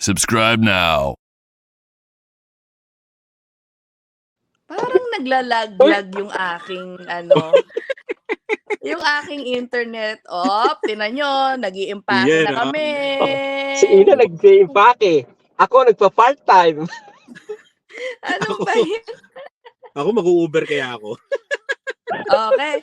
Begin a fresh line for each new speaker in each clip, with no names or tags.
Subscribe now.
Parang naglalaglag yung aking yung aking internet. Tinan nyo, nag-i-impake na
Yan,
kami.
Si Ina nag-impake. Ako nagpa-part-time.
Ano
Ako.
ba yan?
Ako mag-u-Uber kaya ako.
Okay.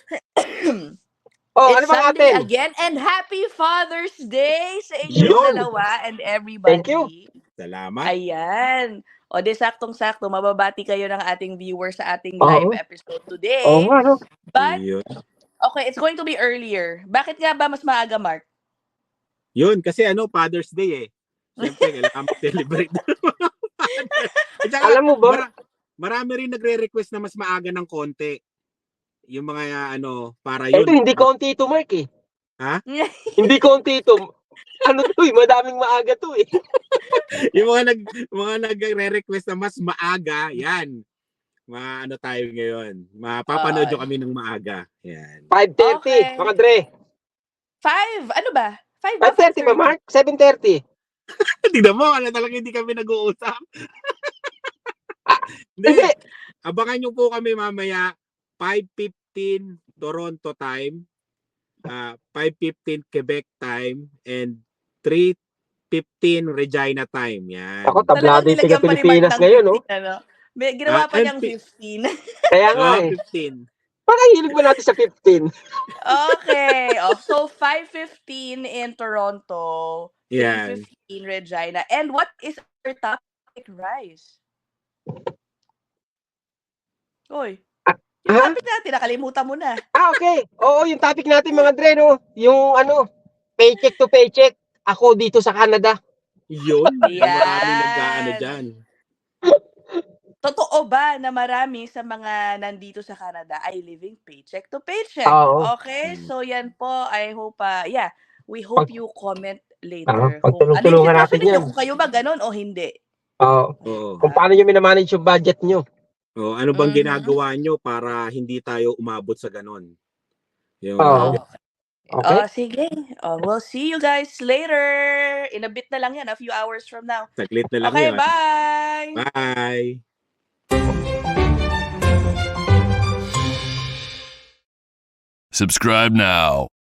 Oh,
It's
ano ba
Sunday
natin?
again and happy Father's Day sa inyong
Yun.
dalawa and everybody.
Thank you.
Salamat.
Ayan. O di saktong-sakto, mababati kayo ng ating viewers sa ating
Oo.
live episode today.
Oo nga, no?
But,
Yun.
okay, it's going to be earlier. Bakit nga ba mas maaga, Mark?
Yun, kasi Father's Day eh. Siyempre, kailangan mag-celebrate. At saka,
Alam mo ba?
marami rin nagre-request na mas maaga ng konti. Yung mga para yun.
Ito, hindi konti ito, Mark eh.
Ha?
Hindi konti ito. Ano to eh, madaming maaga to eh.
Yung mga nagre-request na mas maaga, yan. Tayo ngayon. Mapapanood nyo kami ng maaga. Yan.
5:30,
Okay.
mga Dre.
5? Ano ba? 5 ba?
5:30 ba, Mark? 7:30.
Tignan mo, talaga hindi kami nag-uusap. Hindi.
Hindi.
Abangan nyo po kami mamaya 5:15 Toronto time, 5:15 Quebec time, and 3:15 Regina time. Yan.
Ako, tablado yung
Talagang nilagyan pa ni Mark
Pilipinas
ng
ngayon, no?
15, May ginawa pa niyang 15.
Kaya nga eh.
15.
Parang hilig ba natin sa 15?
Okay. So 5:15 in Toronto,
Yan.
3:15 Regina. And what is our topic, Rice? Oy. Yung
Ha?
topic natin, nakalimutan mo na.
Okay. Oo, yung topic natin mga Dre, no? Yung paycheck to paycheck. Ako dito sa Canada.
Yun.
Yan.
Maraming nag-aano dyan.
Totoo ba na marami sa mga nandito sa Canada ay living paycheck to paycheck?
Oo.
Okay, so yan po. I hope, we hope you comment later.
Pagtulong-tulungan
Ano yung
natin
sitwasyon ninyo?
yan.
Kung kayo ba ganun o hindi?
Oo.
Oo.
Kung paano nyo minamanage yung budget nyo.
Ano bang
Mhm.
ginagawa nyo para hindi tayo umabot sa ganon? Yung,
Oo. Okay.
Sige. We'll see you guys later. In a bit na lang yan, a few hours from now.
saglit na lang
Okay,
yun.
bye!
Bye!
Subscribe now.